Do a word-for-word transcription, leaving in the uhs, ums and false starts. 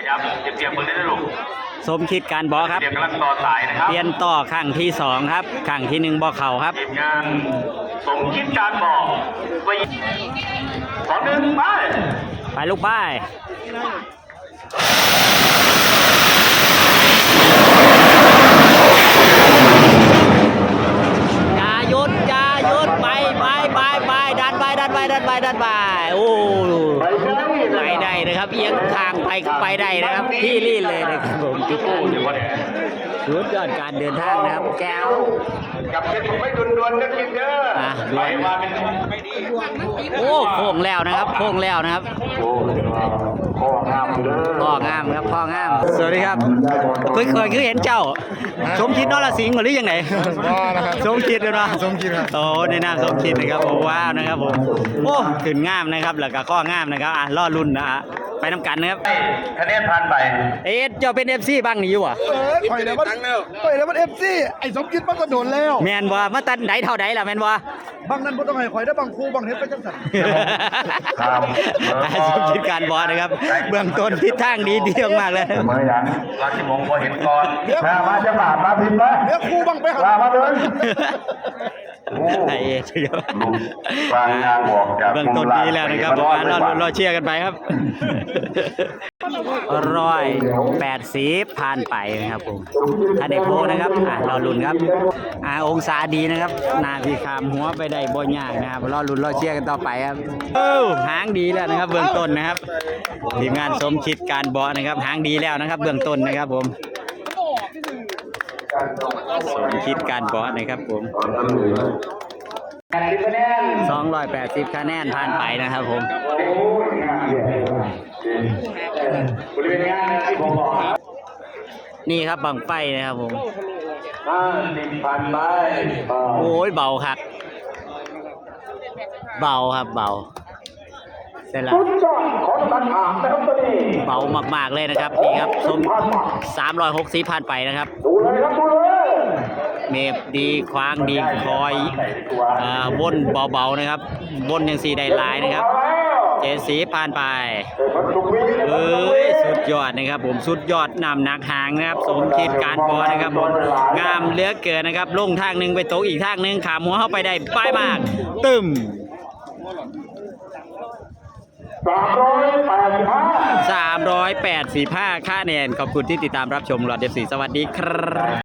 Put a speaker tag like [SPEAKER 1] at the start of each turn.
[SPEAKER 1] ยับเตรียมมือได้ลูก
[SPEAKER 2] สมคิดการบอครับ
[SPEAKER 1] เตรียมกำลังต่อสายนะครับ
[SPEAKER 2] เปลี่ยนต่อข้างที่สองครับข้างที่หนึ่งบอเข่าครับ
[SPEAKER 1] ทีมงานสมคิดการบอกไปสองหนึ่งไป
[SPEAKER 2] ไปลูกไปอย่าหยุดอย่าหยุดไปไปไปไปดันไปดันไปดันไปดันไปโอ้ไปได้นะครับเอียงทางไปไปได้นะครับที่รีดเลยนะครับผมจุ๊บสุดยอดการเดินทางนะครับแก้ว
[SPEAKER 1] กับเป็นผมไม่ดุนดวนก็กินเด้อไปมาเป็นไม่ดี
[SPEAKER 2] โอ้โค้งแล้วนะครับโค้งแล้วนะครับ
[SPEAKER 1] พ่องามเด้อ
[SPEAKER 2] พ่องามครับพ่องามสวัสดีครับเคยเคยคือเห็นเจ้าสมคิดนรสิงห์หรือยังไงสมคิดเลยเนาะ
[SPEAKER 3] สมคิดครับ
[SPEAKER 2] โอ้ในนามสมคิดนะครับโอ้ว้าวนะครับผมโอ้ขึ้นงามนะครับแล้วก็ข้องามนะครับอ่ะล่อรุ่นนะฮะไปน้ำกันนะครับ
[SPEAKER 1] คะแนนผ่านไป
[SPEAKER 2] เอ๊ะเจ้าเป็นเอฟซีบ้างนี่อยู่อ่ะ
[SPEAKER 3] เออถอยแล้วมันถอยแล้วมันเอฟซีไอ้สมคิดมันก็โดนแล้ว
[SPEAKER 2] แมนบ่มาตันไหนเท่าไหนล่ะแมนบ่
[SPEAKER 3] บางนั้นบ่ต้องให้ข่อยได้บางครูบางเฮ็ดไปจังซั่น
[SPEAKER 1] ครับ
[SPEAKER 2] สมคิดการบอสนะครับเบื้องต้นทิศทางดีดีมากเลย
[SPEAKER 1] เมื่อยังราชมงคลพอเห็นก่อนมาจะบาดมาพิมพ์นะ
[SPEAKER 3] เดี๋ยวครูบังไปหา
[SPEAKER 1] มาเลย
[SPEAKER 2] ไอ้เชียว
[SPEAKER 1] บางงานบอกจาก
[SPEAKER 2] เบื้องต้นดีแล้วนะครับผมรอรอเชียร์กันไปครับร้อยแปดสิบผ่านไปนะครับผมถ้าได้โพนะครับอ่ะรอลุ้นครับอ่าองศาดีนะครับนาพี่คามหัวไปได้บ่ยากนะครับรอลุ้นรอเชียร์กันต่อไปครับเออหางดีแล้วนะครับเบื้องต้นนะครับทีมงานสมคิดการบอนะครับหางดีแล้วนะครับเบื้องต้นนะครับผมสมคิดการบอนะครับผมสองร้อยแปดสิบคะแนนผ่านไปนะครับผมนี่ครับบังไฟนะครับผมโอ้ยเบาครับเบาครับเบาเสร็จแล้วเบามากๆเลยนะครับนี่ครับชมสามร้อยหกสิบผ่านไปนะครับเมฟดีคว้างดีคอยอ่าวนเบาๆนะครับวนยังสีได้ลายนะครับเจสีผ่านไปเอ้ยสุดยอดนะครับผมสุดยอดนำหนักหางนะครับสมคิดการบอนะครับผมงามเหลือเกินนะครับลงทางหนึ่งไปโต๊ะอีกทางหนึ่งขามหัวเข้าไปได้ป้ายมากตึมสามร้อยแปดสิบห้าค่าแนนขอบคุณที่ติดตามรับชมหลอดเดฟสีสวัสดีครับ